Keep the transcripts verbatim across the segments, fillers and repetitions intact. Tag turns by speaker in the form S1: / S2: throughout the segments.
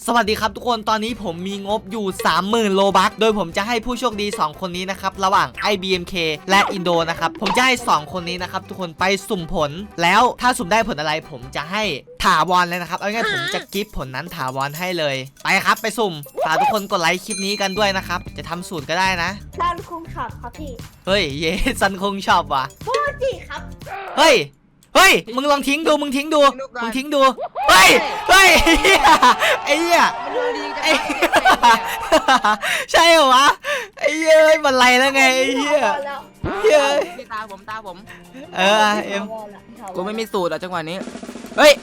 S1: สวัสดีครับทุกคนตอนนี้ผมมีงบอยู่ สามหมื่น โลบัคโดยผมจะให้ผู้โชคดีสองคนนี้นะครับระหว่าง ไอ บี เอ็ม เค และอินโดนะครับผมจะให้สองคนนี้นะครับทุกคนไปสุ่มผลแล้วถ้าสุ่มได้ผลอะไรผมจะให้ถาวรเลยนะครับเอาง่ายๆผมจะกิฟต์ผลนั้นถาวรให้เลยไปครับไปสุ่มฝากทุกคนกดไลค์คลิปนี้กันด้วยนะครับจะทำสูตรก็ได้นะ
S2: ร้านคุ้งช็อปครับพี่
S1: เฮ้ยเยซันคงชอบว่ะ
S2: โคจิครับ
S1: เฮ้ยเฮ้ยมึงลองทิ้งดูมึงทิ้งดูมึงทิ้งดูเฮ้ยเฮ้ยไอ้เหี้ย
S3: ดวงดีจัง
S1: ไอ้ใช่เหรอวะไอ้เหี้ยมันไรแล้วไงไอ้เหี้ย
S2: แล้ว
S1: เฮ้ย
S3: พี่ตาผมตาผม
S1: เออเอ็ม
S3: กูไม่มีสูตรอ่ะจังหวะนี้เฮ้ย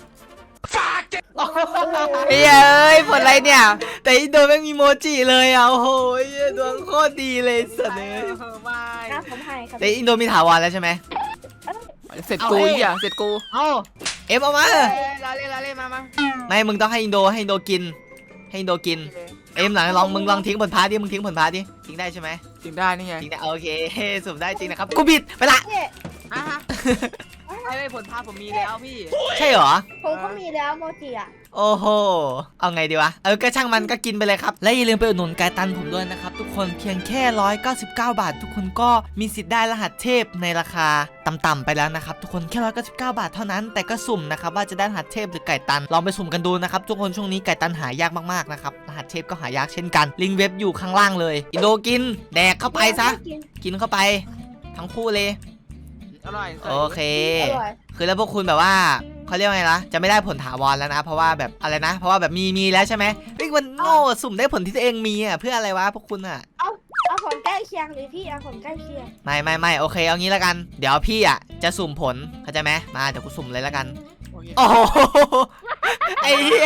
S1: ไอ้เหี้ยเอ้ยผลอะไรเนี่ยแต่อินโดไม่มีโมจิเลยอ่ะโอ้โหไอ้เหี้ยดวงโคตรดีเลยสัตว์เลย
S3: ไม่
S2: นะผมให้ครับ
S1: แต่อินโดมีถาวรแล้วใช่ไหม
S3: เสร็จกูอีกอ่ะเสร็จกู
S1: เอ้าเอ็มเอามา
S3: ลาเล่ลาเล่มามา
S1: ไม่มึงต้องให้อินโดให้อินโดกินให้อินโดกินเอ็มหลังลองมึงลองทิ้งผลพาดิมึงทิ้งผลพาดิทิ้งได้ใช่ไหม
S3: จริงได้นี่ไง
S1: จริงนะโอเคสุ่มได้จริงนะครับกูบิดไปละ
S2: เนี่ย
S3: อ่ะฮะไอ้ผลพาผมมีแล้วพี่
S1: ใช่เหรอ
S2: ผมก็มีแล้วโมจิอ่ะ
S1: โอ้โหเอาไงดีวะเออก็ช่างมันก็กินไปเลยครับและอย่าลืมไปอุดหนุนไก่ตันผมด้วยนะครับทุกคนเพียงแค่หนึ่งร้อยเก้าสิบเก้าบาททุกคนก็มีสิทธิ์ได้รหัสเทพในราคาต่ำๆไปแล้วนะครับทุกคนแค่หนึ่งร้อยเก้าสิบเก้าบาทเท่านั้นแต่ก็สุ่มนะครับว่าจะได้รหัสเทพหรือไก่ตันลองไปสุ่มกันดูนะครับทุกคนช่วงนี้ไก่ตันหายากมากๆนะครับรหัสเทพก็หายากเช่นกันลิงก์เว็บอยู่ข้างล่างเลยอินโดกินแดกเข้าไปซะกินเข้าไปทั้งคู่เลย
S3: อร่อย
S1: โอเค
S2: อร่อย
S1: คือแล้วพวกคุณแบบว่าเขาเรียกว่าไงล่ะจะไม่ได้ผลถาวรแล้วนะ เพราะว่าแบบอะไรนะ เพราะว่าแบบมีมีแล้วใช่ไหมเฮ้ยมันโง่สุ่มได้ผลที่ตัวเองมีอ่ะเพื่ออะไรวะพวกคุณอ่ะ
S2: เอาเอาผลใกล้เคียงเลยพี่เอาผลใกล้เคียง
S1: ไม่ไม่ไม่โอเคเอางี้แล้วกัน เดี๋ยวพี่อ่ะจะสุ่มผลเข้าใจไหมมาเดี๋ยวกูสุ่มเลยแล้วกันโอ้โหไอ้เหี้ย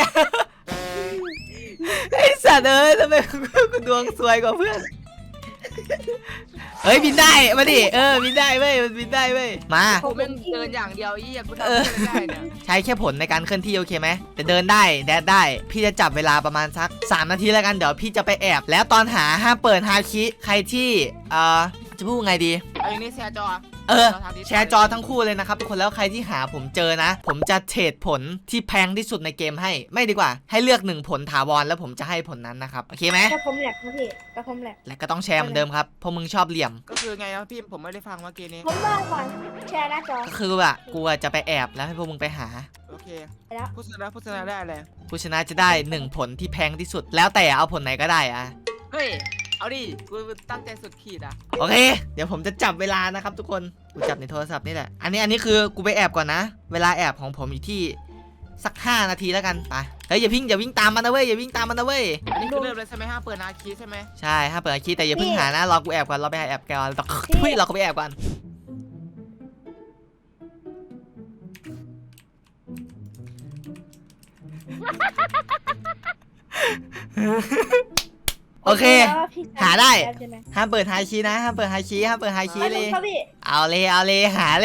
S1: ไอ้สัตว์เอ้ยทำไมกูดวงสวยกว่าเพื่อนเฮ้ยบินได้มาดิเออบินได้เว้ยมันบินได้เว้ยมา
S3: ผมเป็นเดินอย่างเดียวยี่กูทำไม่ได้เนี่ย
S1: ใช้แค่ผลในการเคลื่อนที่โอเคไหมแต่เดินได้แดดได้พี่จะจับเวลาประมาณสักสามนาทีแล้วกันเดี๋ยวพี่จะไปแอบแล้วตอนหาห้ามเปิดฮาคิใครที่เอ่อจะพูดไงดี
S3: เอาอย่างนี้แชร์จอ
S1: เออแชร์จอทั้งคู่เลยนะครับทุกคนแล้วใครที่หาผมเจอนะ ผมจะเทรดผลที่แพงที่สุดในเกมให้ไม่ดีกว่าให้เลือกหนึ่งผลถาวรแล้วผมจะให้ผลนั้นนะครับโอเคไหม
S2: แต่ผมแหลกนะพี่แต่ผมแหลก
S1: และก็ต้องแชร์เหมือนเดิมครับเพราะมึงชอบเหลี่ยม
S3: ก็คือไงนะพี่ผมไม่ได้ฟังเมื่อกี้นี้
S2: ผมว่าก่อนแชร์หน้าจอ
S1: ก็คือว่ากูอะจะไปแอบแล้วให้พวกมึงไปหา
S3: โอเค
S2: ไปแล้ว
S3: ผู้ชนะผู้ชนะได้เลย
S1: ผู้ชนะจะได้หนึ่งผลที่แพงที่สุด แล้วแต่เอาผลไหนก็ได้อะ
S3: เฮ้ยเอาดิกูตั้งใจสุดขีดอ่ะ
S1: โอเค เดี๋ยวผมจะจับเวลานะครับทุกคน กูจับในโทรศัพท์นี่แหละ อันนี้อันนี้คือกูไปแอบก่อนนะ เวลาแอบของผมอยู่ที่สักห้านาทีแล้วกัน ไป เฮ้ยอย่าวิ่งอย่าวิ่งตามมันนะเว้ยอย่าวิ่งตามมันนะเว้ย
S3: อันนี้คือเริ่มเลยใช่ไหมฮะเปิดนาคีใช่ไหม
S1: ใช่ห้ามเปิดคีย์แต่อย่าเพิ่งหานะ รอกูแอบก่อน รอไปหาแอบก่อนทุยเราก็ไปแอบก่อน โอเค หาได้ ห้ามเปิดไฮคีย์นะ ห้ามเปิดไฮคีย์ห้ามเปิดไฮคีย์เลย
S2: ครับพี่
S1: เอาเลย เอาเลย หาเลย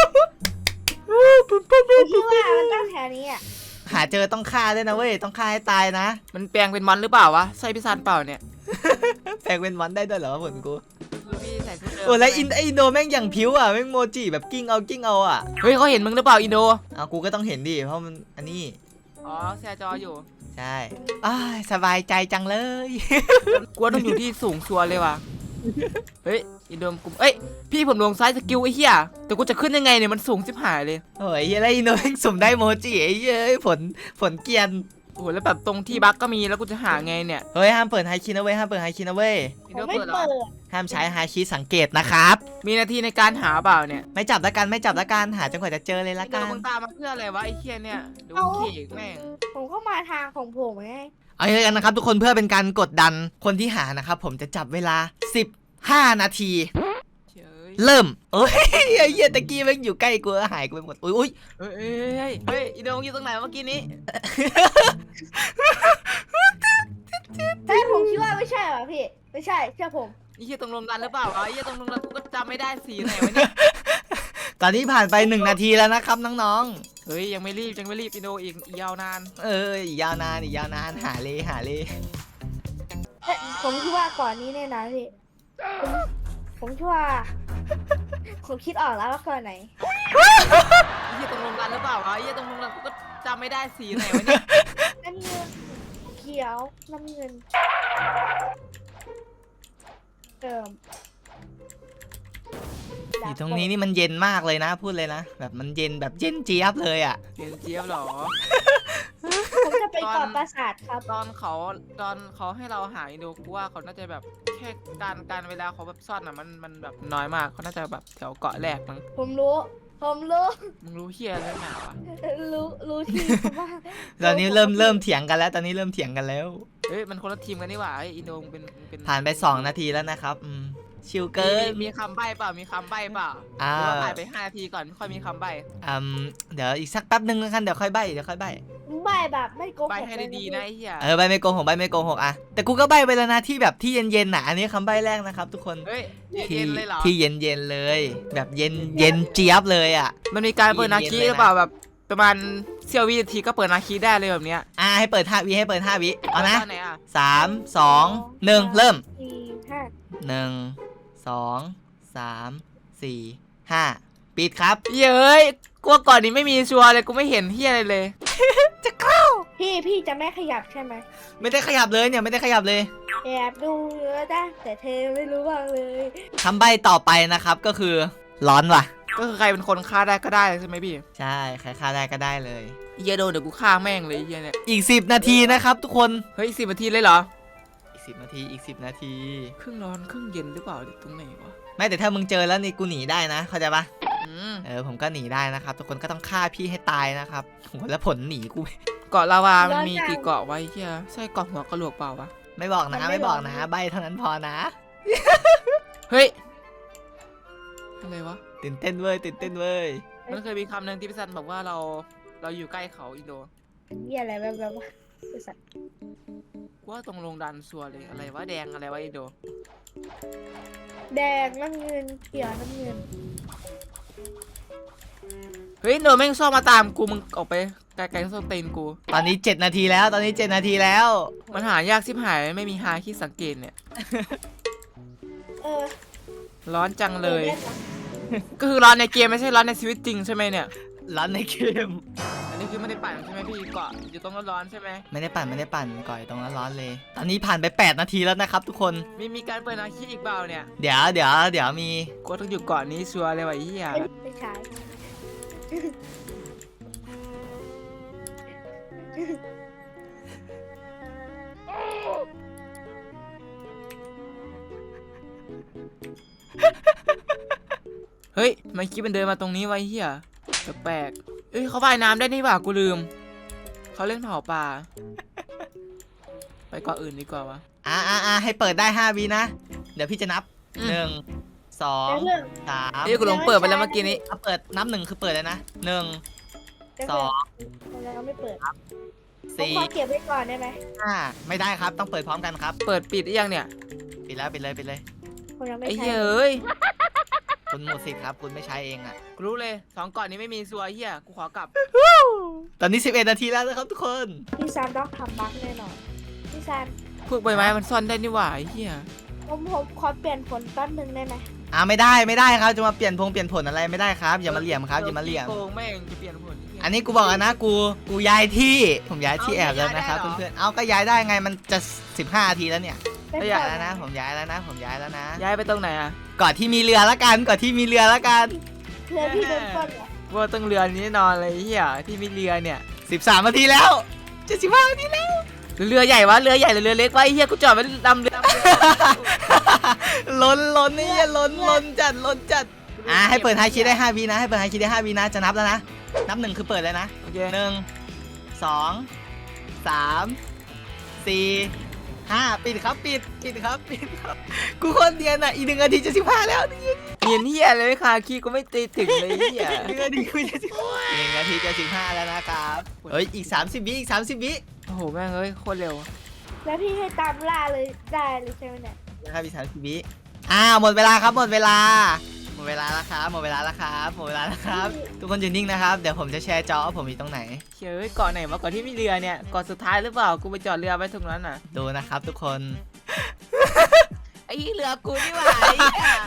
S2: ผมคิดว่ามันตั้งแถวนี้อ่ะ
S1: หาเจอต้องฆ่าด้วยนะเว้ย ต้องฆ่าให้ตายนะ
S3: มันแปลงเป็นมอนหรือเปล่าวะใช่พี่ซันเปล่าเนี่ย
S1: แปลงเป็นมอนได้ด้วยเหรอผลกู
S3: คือพี่ใส่ชุดเดิม
S1: โอ้แล้วอินอินโดแม่งอย่างผิวอ่ะแม่งโมจิแบบกิ้งเอากิ้งเอาอ่ะ
S3: เฮ้ยเขาเห็นมึงหรือเปล่าอินโด
S1: เอากูก็ต้องเห็นดิเพราะมันอันนี้
S3: อ๋อแชร์จออยู่
S1: ใช่อ้ายสบายใจจังเลย
S3: กลัวต้องอยู่ที่สูงชัวร์เลยว่ะ เฮ้ยอินโดมกลุ่มเอ้ยพี่ผมลงซ้ายสกิลไอ้เหี้ยแต่กูจะขึ้นยังไงเนี่ยมันสูงชิบหายเลย
S1: โอ้ยแล้วอินโดแม่งสุ่มได้โมจิไอ้เย้ยผลผลเกรียน
S3: โอ้โหแล้วแบบตรงที่บั๊กก็มีแล้วกูจะหาไงเนี่ย
S1: เฮ้ยห้ามเปิดไฮคีนะเว้ยห้ามเปิดไฮคีนะเว้ย
S3: อิน
S2: ผ
S3: โด
S2: มไม่
S3: เปิดเหรอ
S2: เปิด
S1: ห้ามใช้ไฮคีสังเกตนะครับ
S3: มีนาทีในการหาเปล่าเนี่ย
S1: ไม่จับละกันไม่จับละกันหาจนกว่าจะเจอเลยละ
S3: อินโด
S1: กัน
S3: มึงตามมาเพื่ออะไรวะไอ้เหี้ยเนี่ยดูเขกแม่ง
S2: ผมก็มาทางของผมไง
S1: เอาอย่างนั้นนะครับทุกคนเพื่อเป็นการกดดันคนที่หานะครับผมจะจับเวลาสิบห้านาที
S3: เฉย
S1: เริ่มเอ้ยไอ้เหี้ยตะกี้แม่งอยู่ใกล้กูหายกูไปหมดอุ้ยอุ้ย
S3: เฮ้ยเฮ้ยเฮ้ยเฮ้ยอินโดมึงอยู่ตรงไหนเมื่อกี้นี้
S2: เฮ้ยผมคิดว่าไม่ใช่หรอพี่ไม่ใช่เชื่อผม
S3: ไอ้เหี้ยตรงลมดันหรือเปล่าวะไอ้เหี้ยตรงลมดันกูก็จำไม่ได้สีไหนวะเนี่ย
S1: ตอนนี้ผ่านไปหนึ่งนาทีแล้วนะครับน้อง
S3: เฮ้ยยังไม่รีบยังไม่รีบอินโดอีกอีกยาวนาน
S1: ๆเอออีกยาวนานอีกยาวนานหาเลยหาเลย
S2: เฮ้ยผมคิดว่าก่อนนี้แน่นอนพี่ผมผมคิดว่าผมคิดออกแล้วว่าก่อนไหน
S3: ไอ้เหี้ยตรงลมดันหรือเปล่าวะไอ้เหี้ยตรงลมดันกูก็จำไม่ได้สีไหนวะเนี่ย
S2: นั่นคือขียวน้ำเงินเติม
S1: อยู่ตรงนี้นี่มันเย็นมากเลยนะพูดเลยนะแบบมันเย็นแบบเย็นเจี๊ยบเลยอ่ะ
S3: เย็นเจี๊ยบเหรอ
S2: ผมจะไปเกาะปราสาทครับ
S3: ตอนเขาตอนเขาให้เราหาอินโดกูว่าเขาน่าจะแบบแค่การการเวลาเขาแบบซ่อนอ่ะมันมันแบบน้อยมากเขาน่าจะแบบแถวเกาะแรกมั้ง
S2: ผมรู้ผมรู้
S3: มึงรู้เฮียเรื่องหนาวะ
S2: รู้รู้ที่ผมว่า
S1: ตอนนี้เริ่มเริ่มเถียงกันแล้ว ตอนนี้เริ่มเถียงกันแล้ว
S3: เฮ้ยมันคนละทีมกันนี่หว่าไออินโดมึงเป็นมึงเป็น
S1: ผ่านไปสองนาทีแล้วนะครับอืมชิวเกิน
S3: มีมีคำใบ้เปล่ามีคำใบ้เปล่า
S1: อ่า
S3: หรือว่าผ่านไปห้านาทีก่อนไม่ค่อยมีคำใบ้
S1: อืมเดี๋ยวอีกสักแป๊บนึงแล้วกันเดี๋ยวค่อยใบเดี๋ยวค่อยใบ
S2: ใบแบบไม่โกหก
S3: ใบ้ให้ดีๆนะไอ้เหี้ย
S1: เออใบไม่โกหกใบไม่โกหกอะแต่กูก็ใบไปแล้วนะที่แบบที่เย็นๆน่ะอันนี้คำใบแรกนะครับทุกคน
S3: เฮ้ย
S1: ที่
S3: เย็นๆเลยเหรอ
S1: ที่เย็นๆเลย แบบเย็นเย็นเจี๊ยบเลยอ่ะ
S3: มันมีการเปิดนาคี
S1: เย็นๆเลยนะ
S3: หรือเปล่าแบบประมาณเสี้ยววินาทีก็เปิดนาคีได้เลยแบบเนี้ย
S1: อ่าให้เปิดห้าวิให้เปิดห้าวิเอานะ
S3: ตอนไหนอ่ะ
S1: สามสองหนึ่งเริ่ม
S2: สี่ห้า
S1: หนึ่งสองสามสี่ห้าปิดครับ
S3: เย้ยกลัวก่อนนี้ไม่มีชัวร์เลยกูไม่เห็นเฮียอะไรเลย
S2: พี่พี่จะไม่ขยับใช่ไหม
S1: ไม่ได้ขยับเลยเนี่ยไม่ได้ขยับเลย
S2: แอบดูเนื้อได้แต่เธอไม่รู้บ้างเลย
S1: คำใบต่อไปนะครับก็คือร้อนว่ะ
S3: ก็คือใครเป็นคนฆ่าได้ก็ได้ใช่ไหมพี่
S1: ใช่ใครฆ่าได้ก็ได้เลย
S3: เฮียโดนเดี๋ยวกูฆ่าแม่งเลยเฮียเนี่ย
S1: อีกสิบนาทีนะครับทุกคน
S3: เฮ้ยสิบนาทีเลยเหรอ
S1: อีกสิบนาทีอีกสิบนาที
S3: ครึ่งร้อนครึ่งเย็นหรือเปล่าตรงไหนวะ
S1: ไม่แต่ถ้ามึงเจอแล้วนี่กูหนีได้นะเข้าใจปะ
S3: อืม
S1: เออผมก็หนีได้นะครับทุกคนก็ต้องฆ่าพี่ให้ตายนะครับโหแล้วผลหนีกู
S3: เกาะลาวามันมีกี่เกาะไว้เฮียใช่เกาะหัวกะโหลกเปล่าวะ
S1: ไม่บอกนะไม่บอกนะใบเท่านั้นพอนะ
S3: เฮ้ยอะไรวะ
S1: ตื่นเต้นเว้ยตื่นเต้นเว้ย
S3: มันเคยมีคำหนึ่งที่พี่ซันบอกว่าเราเราอยู่ใกล้เขาอินโด
S2: นี่อะไรแบบแบบว่าบริษัท
S3: กูว่าตรงลงดันชัวร์เลยอะไรวะแดงอะไรวะอินโด
S2: แดงน้ำเงินเขียวน้ำเงิน
S3: เฮ้ยโดนแม่งชอบมาตามกูมึงออกไปไกลๆส้นตีนกู
S1: ตอนนี้เจ็ดนาทีแล้วตอนนี้เจ็ดนาทีแล้ว
S3: มันหายากชิบหายไม่มีหาที่สังเกตเนี่ย
S2: เออ
S3: ร้อนจังเลย
S2: ออได้นะ
S3: ก็คือร้อนในเกมไม่ใช่ร้อนในชีวิตจริงใช่ไหมเนี่ย
S1: ร้อนในเกม
S3: อันนี้คือไม่ได้ปั่นใช่ไหมพี่เกาะอยู่ตรงร้อนๆใช่ไหม
S1: ไม่ได้ปั่นไม่ได้ปั่นก่อยตรงนั้นร้อนเลย ตอนนี้ผ่านไปแปดนาทีแล้วนะครับทุกคน
S3: มีมีการเปิดอาชีพอีกเปล่าเนี่ย
S1: เดี๋ยวเดี๋ยวเดี๋ยวมี
S3: กูต้องอยู่เกาะนี้ชัวร์เลยว่ะไอ้เหี้ย
S2: ไม่ไม่ใช่
S3: เฮ้ยทำไมันคิดมันเดินมาตรงนี้ไวะไอ้เหี้ยแปลกๆเอ้ยเขาว่ายน้ำได้นี่หว่ากูลืมเขาเล่นเผาป่าไปเกาะอื่นดีกว่าวะ
S1: อ่าอ่าอ่าให้เปิดได้ห้าวินะ เดี๋ยวพี่จะนับ
S3: อืม
S1: หนึ่งสอง
S2: แต่เรื่อง
S1: สาม
S3: เอ้ยกูหลงเปิดไปแล้วเมื่อกี้นี้
S1: ถ้าเปิดนับหนึ่งคือเปิดเลยนะหนึ่ง
S2: แต่
S1: ส
S2: เพื่
S1: อ
S2: อน
S1: ง
S2: เราไม่เปิดผม
S1: สี่
S2: ขอเก็บไว้ก่อนได้ไหม
S1: ห้าไม่ได้ครับต้องเปิดพร้อมกันครับ
S3: เปิดปิดหรือยังเนี่ย
S1: ปิดแล้วปิดเลยปิดเลย
S2: ผมยังไม่
S3: ไอ้
S2: ใช้
S3: เหี้ยเอ้ย
S1: คุณหมดสิทธิ์ครับคุณไม่ใช้เองอ่ะ
S3: กูรู้เลยสองเกาะนี้ไม่มีซัวร์ไอ้เหี้ยกูขอกลับ
S1: ตอนนี้สิบเอ็ดนาทีแล้วนะครับทุกคน
S2: พี่ซานต้องทำบั๊กแน่นอนพี่ซาน
S3: พวกใบไม้มันซ่อนได้นี่หว่าไอ้เหี้ย
S2: ผมผมขอเปลี่ยนผลแป๊บนึงได้ไหม
S1: อ่าไม่ได้ไม่ได้ครับจะมาเปลี่ยนพงเปลี่ยนผลอะไรไม่ได้ครับอย่ามาเหลี่ยมครับอย่ามาเหลี่ยม
S3: โกงแม่งจะเปลี่ยนผลไเหี้ย
S1: อันนี้กูบอกแล้วนะกูกูย้ายที่ผมย้ายที่
S3: เอา
S1: แอบแล้วนะครับ
S3: ย้ายได้เหรอ
S1: เพื่อนๆเอาก็ย้ายได้ไงมันจะสิบห้านาทีแล้วเนี่ย
S2: ได้
S1: ย้า
S2: ก่
S1: ย
S2: อน
S1: แล้วนะผมย้ายแล้วนะ ผมย้ายแล้วนะ
S3: ย้ายไปตรงไหนอะ
S1: ก่อนที่มีเรือละกันก่อนที่มีเรือละกัน
S2: เพื่อพี่โดนปล้นเหรอ
S3: ว่าต้องเรือนี้แน่นอนเลยไอ้เหี้ยที่มีเรือเนี่ย
S1: สิบสามนาทีแล้วเจ็ดสิบห้านาทีแล้ว
S3: หรือเรือใหญ่วะเรือใหญ่หรือเรือเล็กวะไอ้เหี้ยกูจอดไว้ลำเรือ
S1: ล้นล้นนี่ล้นล้นจัดล้นจัดอ่าให้เปิดไฮคิดได้ห้าวินะให้เปิดไฮคิดได้ห้าวินะจะนับแล้วนะนับหนึ่งคือเปิดเลยนะ
S3: โอเค
S1: หนึ่งสองสามสี่ห้าปิดครับปิดปิดครับปิดครับกูคนเดียนอ่ะอีกหนึ่งนาทีจะสิบห้าแล้ว
S3: เนียนเหี้ยเลยค่ะคีย์กูไม่ตีถึงเลยไอ้เหี้ย
S1: หนึ่งนาทีกูจะสิบหนึ่งนาทีจะสิบห้าแล้วนะครับเฮ้ยอีกสามสิบวิอีกสามสิบวิ
S3: โอ้โหแม่งเอ้ยโคตรเร็ว
S2: แล้วพี่ให้ตามล่าเลยได้เลยใช่ไหมเนี่ย
S1: นะครับอีกสามสิบวิอ่าหมดเวลาครับหมดเวลาหมดเวลาแล้วครับหมดเวลาแล้วครับหมดเวลาแล้วครับทุกคนอยู่นิ่งนะครับเดี๋ยวผมจะแชร์จอว่าผมอยู่ตรงไหน
S3: เชื่อเอ้ยเกาะไหนวะเกาะที่มีเรือเนี่ยเกาะสุดท้ายหรือเปล่ากูไปจอดเรือไว้ตรงนั้นน่ะ
S1: ดูนะครับทุกคน
S3: ไอ้เรือกูนี่หว่าไอ้เหี้ย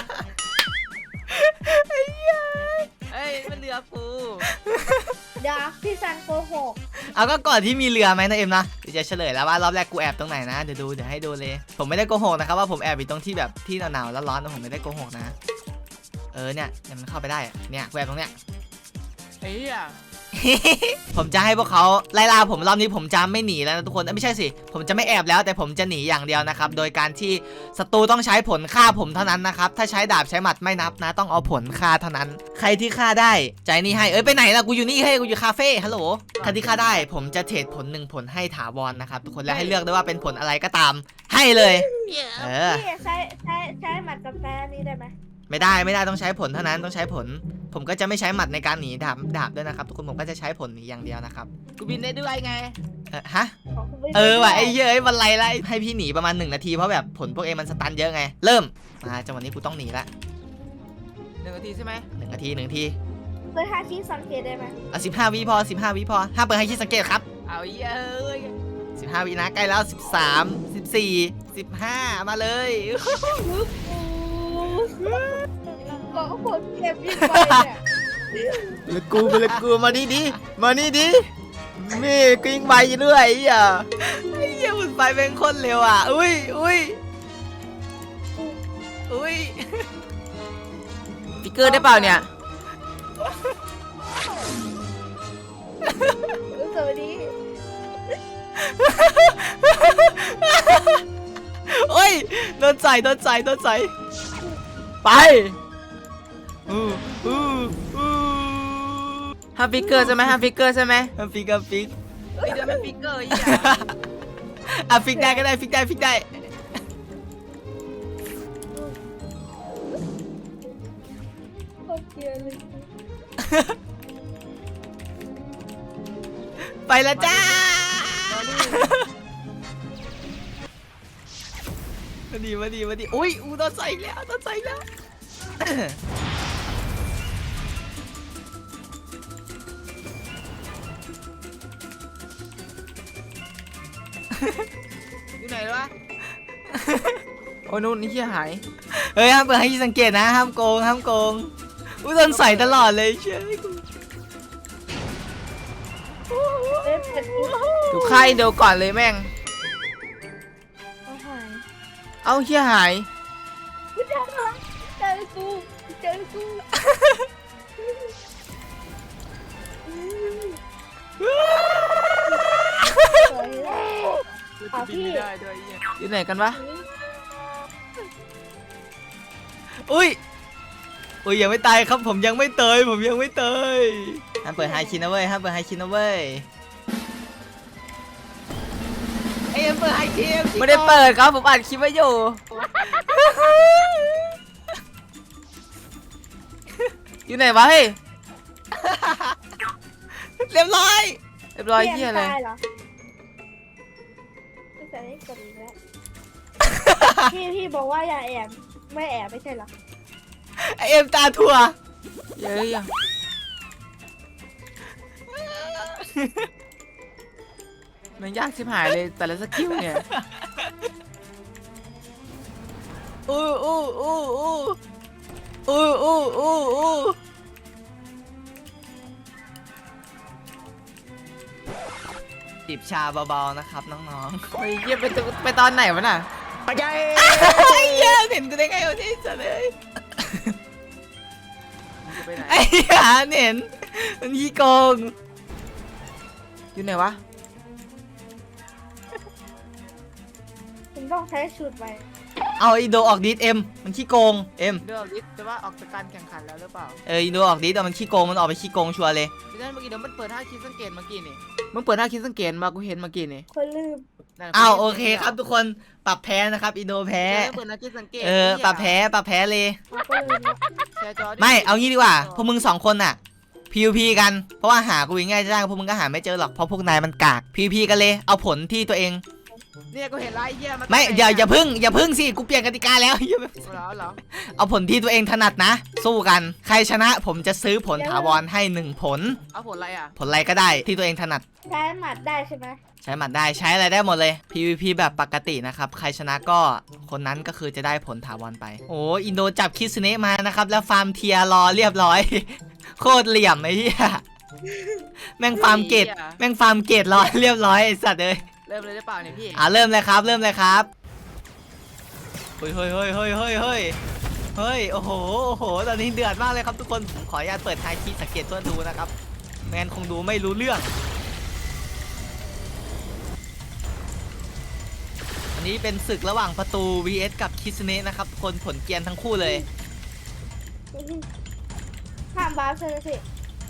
S3: เอ้ยมันเรือกู
S2: เดี๋ยวพี่ซันโกหก
S1: เอาก็ก่อนที่มีเรือไหมนะเอ็มนะกูจะเฉลยแล้วว่ารอบแรกกูแอบตรงไหนนะเดี๋ยวดูเดี๋ยวให้ดูเลยผมไม่ได้โกหกนะครับว่าผมแอบอยู่ตรงที่แบบที่หนาวๆแล้วร้อนนะผมไม่ได้โกหกนะเออเนี่ยเนี่ยมันเข้าไปได้อะเนี่ยกูแอบตรงเนี้ย
S3: ไอ้เหี้ย
S1: ผมจะให้พวกเขาไล่ล่าผมรอบนี้ผมจะไม่หนีแล้วนะทุกคนเอ้ยไม่ใช่สิผมจะไม่แอบแล้วแต่ผมจะหนีอย่างเดียวนะครับโดยการที่ศัตรูต้องใช้ผลฆ่าผมเท่านั้นนะครับถ้าใช้ดาบใช้หมัดไม่นับนะต้องเอาผลฆ่าเท่านั้น ใครที่ฆ่าได้ใจนี่ให้เอ้ยไปไหนล่ะกูอยู่นี่เฮ้ยกูอยู่คาเฟ่ฮัลโหลใครที่ฆ่าได้ผมจะเทรดผลหนึ่งผลให้ถาวรนะครับทุกคนแล้วให้เลือกได้ว่าเป็นผลอะไรก็ตามให้เลยเออ
S2: พี่ใช้ใช้ใช้หมัดกับแฟนนี่ได้ไหม
S1: ไม่ได้ไม่ได้ต้องใช้ผลเท่านั้นต้องใช้ผล ผมก็จะไม่ใช้หมัดในการหนีดาบดาบด้วยนะครับทุกคนผมก็จะใช้ผลหนีอย่างเดียวนะครับ
S3: กูบินได้ด้วยไง
S1: เออฮะ
S2: ของคุณไม่
S1: เออว่ะ
S2: ด้
S1: ไอ้เหี้ยเอ้ยมันไรละให้พี่หนีประมาณหนึ่งนาทีเพราะแบบผลพวกเองมันสตันเยอะไงเริ่มมาจังหวะนี้กูต้องหนีละ
S3: หนึ่งนาทีใช่ไหม
S1: หนึ่งนาทีหนึ่งนาที
S2: เคยหาที่สังเกตได้ไหม
S1: เอาสิบห้าวิพอสิบห้าวิพอห้ามเปิดให้คิดสังเกตครับ
S3: เอาเหี้ยเอ้ย
S1: สิบห้าวินะใกล้แล้วสิบสามสิบสี่สิบห้ามาเลย
S2: ก็คนเก็บยิงไปเนี่ย
S1: แล้วกูไปเลยกูมานี่ดิมานี่ดิมีกิ้งไปเรื่อยไอ้เหี้ยไอ้เหี้ยมันไปเป็นคนเร็วอ่ะอุ้ยอุ้ยอุ้ย
S3: ฟิกเกอร์ได้เปล่าเนี่ย
S2: สวัสดี
S1: โอ้ยโดนใส่โดนใส่โดนใส่ไปอู้อู้อู้
S3: ห้ามฟิกเกอร์ใช่ไหมห้ามฟิกเกอร์ใช่ไหม
S1: อ่ะฟิกอ่ะฟิก
S3: เฮ้ยเดี๋ยวมันฟิกเกอร์ไอ้เหี้ย
S1: อ่ะฟิกได้ก็ได้ฟิกได้ฟิกได้
S2: โคตรเกลียดเลย
S1: ไปแล้วจ้ามาดีมาดีมาดีอุ้ยอูโดนใส่อีกแล้วโดนใส่อีกแล้ว
S3: อยู่ไหนวะ โอ้นู่นนี่เหี้ยหาย
S1: เฮ้ยห้ามเปิดให้สังเกตนะห้ามโกงห้ามโกงอูโดนใส่ตลอดเลยเชื่อกู
S2: เอ๊ะเป็นกู
S3: ดูค่ายเดียวก่อนเลยแม่ง
S2: เอาหาย
S3: เอ้าเหี้ยหาย
S2: กูเจอแล้วเจอกูเจอกูสวยแล้ว เอาพี่
S3: บินไม่ได้ด้วยไอ้เหี้ยอยู่ไหนกันวะ
S1: อุ้ยอุ้ยยังไม่ตายครับผมยังไม่เตยผมยังไม่เตยห้ามเปิดไฮคินนะเว้ยห้ามเปิดไฮคินนะเว้ยไอ้เอ็มเปิดไฮคิน
S3: ไม่ได้เปิดครับผมอัดคลิปไว้อยู่ อยู่ไหนวะเฮ้ย
S1: เรียบร้อย
S3: เรียบร้อยเหี้ยเลย
S2: ตายเหรอไม่ใช่ได้กดอีกแล้ว พี่พี่บอกว่าอย่าแอบไม่แอบไม่ใช่เหรอ
S1: ไอเอ็มตาถั่ว
S3: เย้ยอะมันยากชิบหายเลยแต่ละสกิลเนี่ย
S1: อู้อู้อู้อู้อู้อู้อู้อู้จิบชาเบาๆนะครับน้องๆ
S3: เฮ้ยเยี่ยไปตไปตอนไหนวะน่ะ
S1: ไอ้เหี้ยเห็นกูได้ไงวะเนี่ยสัตว์เลย
S3: มึงจะไปไหน
S1: ไอ้เหี้ยเห็นมันขี้โกง
S3: อยู่ไหนวะ
S2: ผมต้องใช้ชุดไป
S1: เอาอีโดออกดิสเอ็มมันขี้โกงเอ็ม
S3: เดี๋ยวลิสแต่ว่าออกจากการแข่งขันแล้วหรือเปล่า
S1: เอออีโดออกดิสแต่มันขี้โกงมันออกไปขี้โกงชัวร์เลย
S3: พี่นั่นเมื่อกี้เดี๋ยวมันเปิดท่าคิดสังเกตเมื่อกี้นี่มึงเปิดท่าคิดสังเกตมากูเห็นเมื่อกี้นี่
S2: คนลืม
S3: นั่น
S1: อ้าวโอเคครับทุกคนปรับแพ้นะครับอีโดแพ้
S3: เปิดท่าคิดสังเกต
S1: เออปรับแพ้ปรับแพ้เลย
S2: เราก็ลืมแล้ว
S3: แชร์จอดิ
S1: ไม่เอางี้ดีกว่าพวกมึงสองคนน่ะ พี วี พี กันเพราะว่าหากูง่ายๆจ้างพวกมึงก็หาไม่เจอหรอกเพราะพวกนายมันกาก พี วี พี กันเลยเอาผลที่ตัวเอง
S3: เนี่ยกูเห็นไล่เหี้ยมัน
S1: ไม่อย่าอย่าพึ่งอย่าพึ่งสิกูเปลี่ยนกติกาแล้ว อย่า
S3: เหรอเหรอ
S1: เอาผลที่ตัวเองถนัดนะ สู้กันใครชนะผมจะซื้อผลถาวรให้หนึ่งผล
S3: เอาผลอะไรอ่ะ
S1: ผลอะไรก็ได้ที่ตัวเองถนัด
S2: ใช้หมัดได้ใช่ไหม
S1: ใช้หมัดได้ใช้อะไรได้หมดเลย พี วี พี แบบปกตินะครับใครชนะก็คนนั้นก็คือจะได้ผลถาวรไปโอ้อินโดจับคิสเนะมานะครับแล้วฟาร์มเทียร์รอเรียบร้อย โคตรเหลี่ยมไอ้เหี้ยแม่งฟาร์มเกตแม่งฟาร์มเกตรอเรียบร้อยไอ้สัตว์เลย
S3: รเริ่มเลยได้เปล่าเนี่ยพี่
S1: อ่าเริ่มเลยครับเริ่มเลยครับเฮ้ยเฮ้ยเฮ้ยเฮ้ยเฮ้ยเฮ้ยเฮ้ยโอ้โหโอ้โหตอนนี้เดือดมากเลยครับทุกคนผมขออนุญาตเปิดไทยคีสังเกตตัวดูนะครับแมนคงดูไม่รู้เรื่องอันนี้เป็นศึกระหว่างประตู วี เอส กับคิสเนะนะครับทุกคนผลเกรียนทั้งคู่เลย
S2: ห้ามบ้าใช่ไหมพี่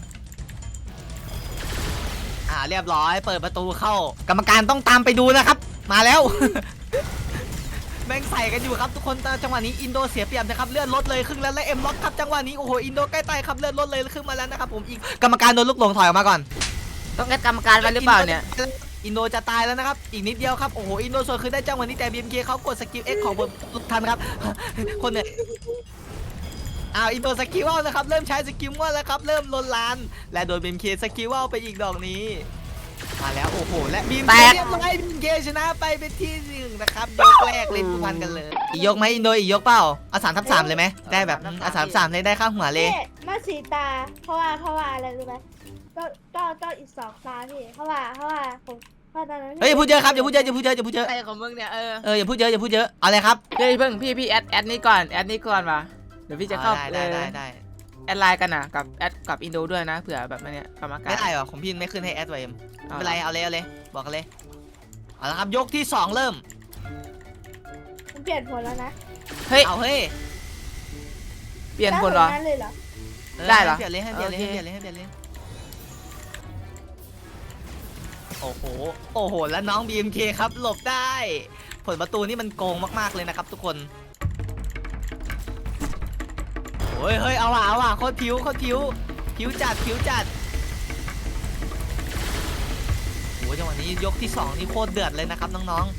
S1: อ่าเรียบร้อยเปิดประตูเข้า กรรมการต้องตามไปดูนะครับ มาแล้ว แม่งใส่กันอยู่ครับทุกคนแต่จังหวะนี้อินโดเสียเปรียบนะครับเลื่อนรถเลยครึ่งแล้วและเอ็มล็อกครับจังหวะนี้โอ้โหอินโดใกล้ตายครับเลื่อนรถเลยครึ่งมาแล้วนะครับผมอีกกรรมการโดนลูกหลงถอยออกมาก่อน
S3: ต้องแอดกรรมการไว้หรือเปล่าเนี่ย
S1: อินโดจะตายแล้วนะครับอีกนิดเดียวครับโอ้โหอินโดส่วนคือได้จังหวะนี้แต่ บี เอ็ม เค เขากดสกิล X ของบนลูกทันครับ คนเนี่ยอ้าวอินโดสกิลว่าวนะครับเริ่มใช้สกิลว่าแล้วครับเริ่มลนลานและโดน บี เอ็ม เค สกิลว่าวไปอีกดอกนี้มาแล้วโอ้โหและ บี เอ็ม เค เรียบร้อย บี เอ็ม เค ชนะไปเป็นที่หนึ่งนะครับยกแรกเล่นผู้พันกันเลยอีกยกไหมอินโดอีกยกเปล่าเอาสามทับสามเลยไหมได้แบบเอาสามสามเลยได้ข้างหัวเลย
S2: พี่มาสีตา เพราะว่าเพราะว่าอะไรรู้ไหมก็ก็ก็อีกสองตาพี่เพราะว่าเพราะว่าผมเพราะตอนนั้น
S1: เฮ้ยอย่าพูดเยอะครับอย่าพูดเยอะอย่าพูดเยอะอย่าพูดเยอะ
S3: อะไรของมึงเนี่ยเออ
S1: เอออย่าพูดเยอะอย่าพูดเยอะเอาเลยครับ
S3: เฮ้ยเพิ่งพี่พี่แอดแอดนี่ก่อนแอดนี่ก่อนมาเดี๋ยวพี่จะเข้า
S1: ได้ได้ได้ได้
S3: แอดไลน์กันนะกับแอดกับอินโดด้วยนะเผื่อแบบมันเนี่ยกรรมการ
S1: ไม่ได้หรอของพี่ไม่ขึ้นให้แอดไว้เอ็มไม่เป็นไรเอาเลยเอาเลยบอกกันเลยเอาละครับยกที่สองเริ่ม
S2: มันเปลี่ยนผลแล้วนะ
S3: เฮ้ย
S1: เอาเฮ้ย
S3: เปลี่ยนคนเหรอ
S2: ได้ผลนั้นเลยเหรอ
S1: ออ
S3: ได้เหรอ
S1: ให้เปลี่ยนเลยให้เปลี่ยนเลย
S3: โอ
S1: ให้
S3: เค
S1: เปลี่ยนเลยให้เปลี่ยนเลยโอ้โหโอ้โหแล้วน้อง บี เอ็ม เค ครับหลบได้ผลประตูนี่มันโกงมากๆเลยนะครับทุกคนโอ้ยเฮ้ยเอาว่ะเอาว่ะโคตรผิวโคตรผิวผิวจัดผิวจัดโอ้ยจังหวะนี้ยกที่สองนี่โคตรเดือดเลยนะครับน้อง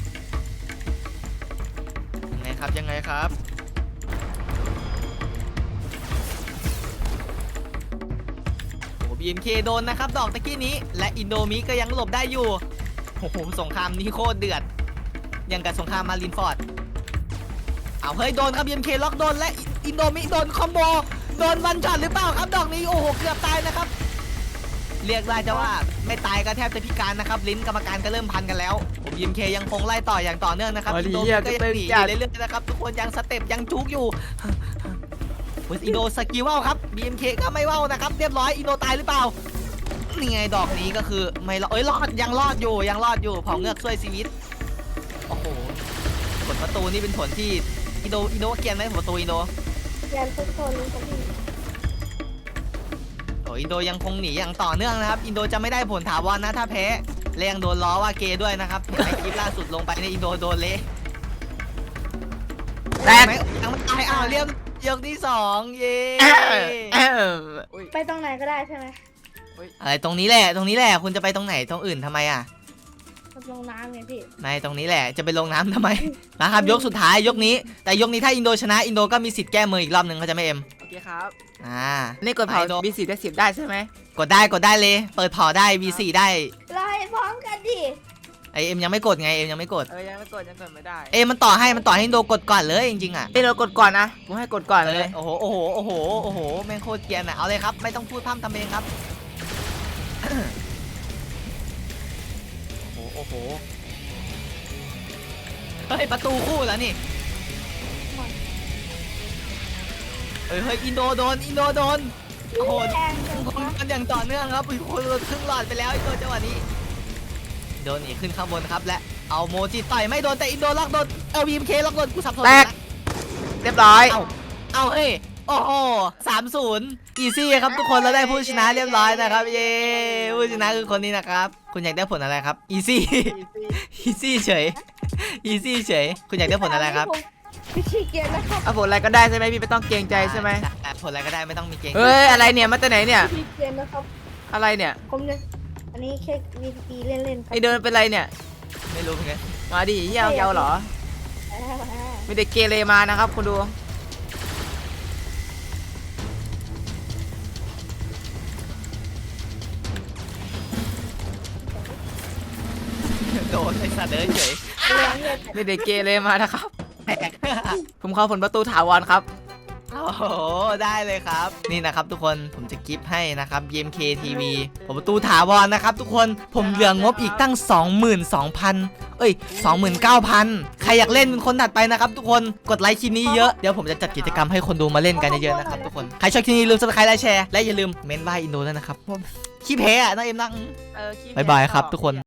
S1: ๆยังไงครับยังไงครับโอ้ บี เอ็ม เค โดนนะครับดอกตะกี้นี้และอินโดมิก็ยังหลบได้อยู่โอ้โหสงครามนี้โคตรเดือดยังกับสงครามมารินฟอร์ดเอาเฮ้ยโดนครับ บี เอ็ม เค ล็อกโดนและอินโดมิโดนคอมโบโดนวันช็อตหรือเปล่าครับดอกนี้โอ้โหเกือบตายนะครับเรียกได้จะว่าไม่ตายก็แทบจะพิการนะครับลิ้นกรรมการก็เริ่มพันกันแล้วผม บี เอ็ม เค ยังคงไล่ต่ออย่างต่อเนื่องนะครับ
S3: อ๋อ
S1: อินโด
S3: เหี้
S1: มิ
S3: ย
S1: ก็ยัง
S3: ก็ตึง
S1: หนีอ
S3: จัด
S1: ยู่เรื่อยๆนะครับทุกคนยังสเต็ปยังจุกอยู่โอ้ยอินโดสกิลว่าวครับ บี เอ็ม เค ก็ไม่ว่าวนะครับเรียบร้อยอินโดตายหรือเปล่านี่ไงดอกนี้ก็คือไม่รอดเอ้ยรอดยังรอดอยู่ยังรอดอยู่เผาเงือกช่วยชีวิตโอ้โหผลประตูนี่เป็นผลที่อินโดอินโดเกรียนไหมผลประตูอินโด
S2: เปลี่ยนทุกคนเลยครับพี่
S1: โอ้อินโดยังคงหนีอย่างต่อเนื่องนะครับอินโดจะไม่ได้ผลถาวรนะถ้าแพ้และยังโดนล้อว่าเกย์ด้วยนะครับในคลิปล่าสุดลงไปในอินโดโดนเละ
S3: แตก
S1: ไม่ยังไม่ตายอ้าวเรียบยกที่สองเย้
S3: เอออุ๊ย
S2: ไปตรงไหนก็ได้ใช่ไหม
S1: อะไรตรงนี้แหละตรงนี้แหละคุณจะไปตรงไหนตรงอื่นทำไมอ่ะ
S2: ลงน้ำไงพี่
S1: ไม่ตรงนี้แหละจะไปลงน้ำทำไมนะครับยกสุดท้ายยกนี้ แต่ยกนี้ถ้าอินโดชนะอินโดก็มีสิทธิ์แก้มืออีกรอบหนึ่งเขาใจะไม่เอ็ม
S3: โอเคครับ
S1: อ่า
S3: นี่กดเผา
S1: ไปโด
S3: มีสิทธิ์ได้สิบได้ใช่ไหม
S1: กดได้กดได้เลย เปิดเผาได้ วี สี่ ได้
S2: เราให้พร้อมกันดิ
S1: ไอเอ็มยังไม่กดไงเอ็มยังไม่กด
S3: เออยังไม่กดยังกดไม่ได้
S1: เอ็มมันต่อให้มันต่อให้อินโดกดก่อนเลยจริงๆอ่ะ
S3: เอ้ยเรากดก่อนนะผมให้กดก่อนเลย
S1: โอ้โหโอ้โหโอ้โหโอ้โหแม่งโคตรเกรียนอ่ะเอาเลยครับไม่ต้องพูดพร่ำทำเพลงครับ โอ้โหโอ้โหเฮ้ยประตูคู่แล้วนี่เฮ้ยเฮ้ยอินโดโดนอินโดโดนโอ้โห
S2: แรงจัง
S1: ค
S2: วะ
S1: นกันอย่างต่อเนื่องครับอุ้ยโคนครึ่งหลอดไปแล้วอินโดจังหวะนี้โดนหนีขึ้นข้างบนครับและเอาโมจิต่อยไม่โดนแต่อินโดล็อกโดนเอลบีมเคล็อกโดนกูสับสน
S3: แตก
S1: นะ
S3: เรียบร้อย
S1: เอาเอาเฮ้ยโอ้โหสามศูนย์อีซี่ครับทุกคนเราได้ผู้ชนะเรียบร้อยนะครับเย้ผู้ชนะคือคนนี้นะครับคุณอยากได้ผลอะไรครับอีซี่อีซี่เฉยอีซี่เฉยคุณอยากได้ผลอะไรครับ
S2: พี่ขี้เกียจนะครับ
S3: เอาผลอะไรก็ได้ใช่ไหมพี่ไม่ต้องเกรงใจใช่ไหม
S1: อ่ะผลอะไรก็ได้ไม่ต้องมีเกง
S3: เฮ้ยอะไรเนี่ยมาจากไหนเนี่ย
S2: ขี้เกียจนะครับ
S3: อะไรเนี่ย
S2: ผมเนี่ยอันนี้แค่วีพีเล่นๆครับ
S3: ไอเดินเป็นไรเนี่ย
S1: ไม่รู้เหมือนกัน
S3: มาดิเฮียเอาเยาเหรอ
S2: อ่า
S3: ไม่ได้เกเรมานะครับคุณดู
S1: โดนไอ้สัตว์เดินเฉย
S2: แรงเลย
S3: ไม่ได้เกเรมานะครับ
S1: แตก
S3: ผมเข้าผลประตูถาวรครับ
S1: โอ้โหได้เลยครับนี่นะครับทุกคนผมจะกิฟต์ให้นะครับ บี เอ็ม เค ที วี ผมประตูถาวรนะครับทุกคนผมเหลืองบอีกตั้ง สองหมื่นสองพัน เอ้ย สองหมื่นเก้าพัน ใครอยากเล่นเป็นคนถัดไปนะครับทุกคนกดไลค์คลิปนี้เยอะเดี๋ยวผมจะจัดกิจกรรมให้คนดูมาเล่นกันเยอะๆนะครับทุกคนใครชอบคลิปนี้ลืม ซับสไครบ์ และแชร์และอย่าลืมเม้นว่าอินโดด้วยนะครับขี้แพ้อะน้องเอ็มนะ
S3: เออขี้
S1: บ๊ายบายครับทุกคน